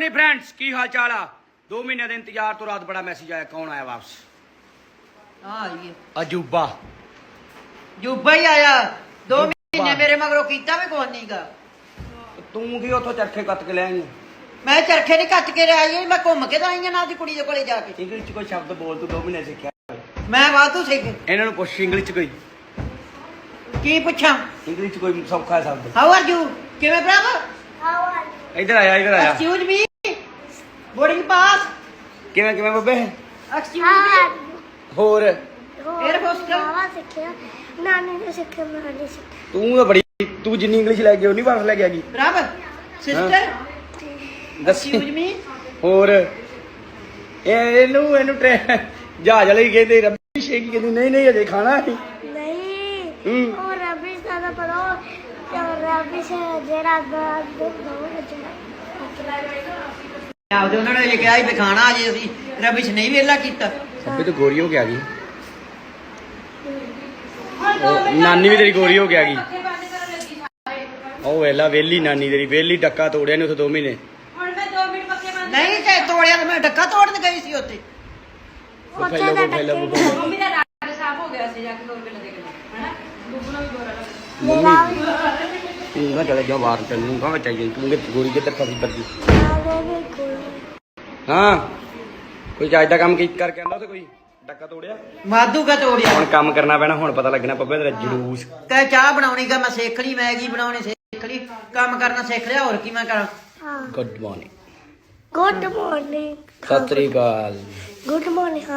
जी friends की हाल चाल आ 2 महीने के इंतजार तो रात बड़ा मैसेज आया कौन आया वापस अजूबा ਜੂਬਾ ਹੀ ਆਇਆ 2 ਮਹੀਨੇ ਮੇਰੇ ਮਗਰੋਂ ਕੀਤਾ ਵੀ ਕੁਛ ਨਹੀਂਗਾ तू की उतो चरखे कत के लिया ਮੈਂ ਚਰਖੇ ਨਹੀਂ ਕੱਟ ਕੇ ਆਈ ਮੈਂ ਘੁੰਮ ਕੇ ਤਾਂ ਆਈ ਆ ਨਾਲ ਦੀ ਕੁੜੀ ਦੇ ਕੋਲੇ ਜਾ ਕੇ इंग्लिश च कोई शब्द बोल तू 2 महीने सीखा ਮੈਂ ਵਾਧੂ ਸਿੱਖ इन्हां नु पुछ इंग्लिश च कोई ਕੀ ਪੁੱਛਾਂ इंग्लिश च कोई सौखा शब्द ਹਾਊ ਆਰ ਯੂ ਕਿਵੇਂ ਭਰਾਵਾ इधर आया ਐਕਸਕਿਊਜ਼ ਮੀ ਬੋਰਡਿੰਗ ਪਾਸ किवें किवें बब्बे ਐਕਸਕਿਊਜ਼ होर एयर होस्टल ਸਿੱਖਿਆ ਨਾਨੀ ਨੇ ਸਿੱਖਿਆ ਮੈਂ ਨਹੀਂ ਸਿੱਖਿਆ तू तो बड़ी तू जिन्नी इंग्लिश लैके उन्नी वापस लैके आ गई ਭਰਾਵਾ ਸਿਸਟਰ दस ਐਕਸਕਿਊਜ਼ ਮੀ होर ਇਹਨੂੰ ਜਹਾਜ਼ ਵਾਲੇ ਹੀ ਕਹਿੰਦੇ ਰੱਬੀ ਸ਼ੇਕ ਕਹਿੰਦੀ ਨਹੀਂ ਅਜੇ ਖਾਣਾ ਹੈ ਨਹੀਂ ਉਹ ਰਬੀ ਦਾ ਪਤਾ ਰਬੀ ਸੇ ਜਿਹੜਾ ਦੋ ਆਪਦੇ ਉਹਨਾਂ ਨੇ ਇਹ ਕਿਹਾ ਸੀ ਵੀ ਖਾਣਾ ਅਜੇ ਅਸੀਂ ਰਬਿਸ਼ ਨਹੀਂ ਵੇਲਾ ਕੀਤਾ ਸਭੇ ਤਾਂ ਗੋਰੀ ਹੋ ਕੇ ਆ ਗਈ ਨਾਨੀ ਵੀ ਤੇਰੀ ਗੋਰੀ ਹੋ ਕੇ ਆ ਗਈ ਉਹ ਵੇਲਾ ਵੇਲੀ ਨਾਨੀ ਤੇਰੀ ਵੇਲੀ ਡੱਕਾ ਤੋੜਿਆ ਨੇ ਉੱਥੇ 2 ਮਹੀਨੇ ਨਹੀਂ ਤੇ ਤੋੜਿਆ ਤੇ ਮੈਂ ਡੱਕਾ ਤੋੜਨ ਗਈ ਸੀ ਉੱਥੇ ਫੈਲੋ ਮੰਮੀ ਦਾ ਰੰਗ ਸਾਫ ਹੋ ਗਿਆ ਸੀ ਜਾ ਕੇ 2 ਰੁਪਏ ਦੇ ਕੇ ਹੈਨਾ ਬੁੱਬੂ ਨੂੰ ਵੀ ਗੋਰਾ ਲੱਗਾ ਤੂੰ ਨਾ ਚਲੇ ਜਾ ਬਾਹਰ ਚੱਲੂ ਕਹਾਂ ਚਾਹੀਏ ਤੂੰ ਗੋਰੀ ਕਿੱਧਰ ਫਸੀ ਬੱਦੀ ਹਾਂ ਕੋਈ ਚੱਜ ਦਾ ਕੰਮ ਕੀ ਕਰਕੇ ਆਂਦਾ ਉੱਥੇ ਕੋਈ ਡੱਕਾ ਤੋੜਿਆ ਮਾਧੂ ਕਾ ਤੋੜਿਆ ਹੁਣ ਕੰਮ ਕਰਨਾ ਪੈਣਾ ਹੁਣ ਪਤਾ ਲੱਗਣਾ ਪੱਪੇ ਤੇਰਾ ਜਲੂਸ ਕਹੇ ਚਾਹ ਬਣਾਉਣੀ ਗਾ ਮੈਂ ਸਿੱਖ ਲਈ ਮੈਗੀ ਬਣਾਉਣੀ ਸਿੱਖ ਲਈ ਕੰਮ ਕਰਨਾ ਸਿੱਖ ਲਿਆ ਹੋਰ ਕੀ ਮੈਂ ਕਰਾਂ ਗੁੱਡ ਮਾਰਨਿੰਗ ਗੁੱਡ ਮਾਰਨਿੰਗ ਸਤਿ ਸ੍ਰੀ ਅਕਾਲ ਗੁੱਡ ਮਾਰਨਿੰਗ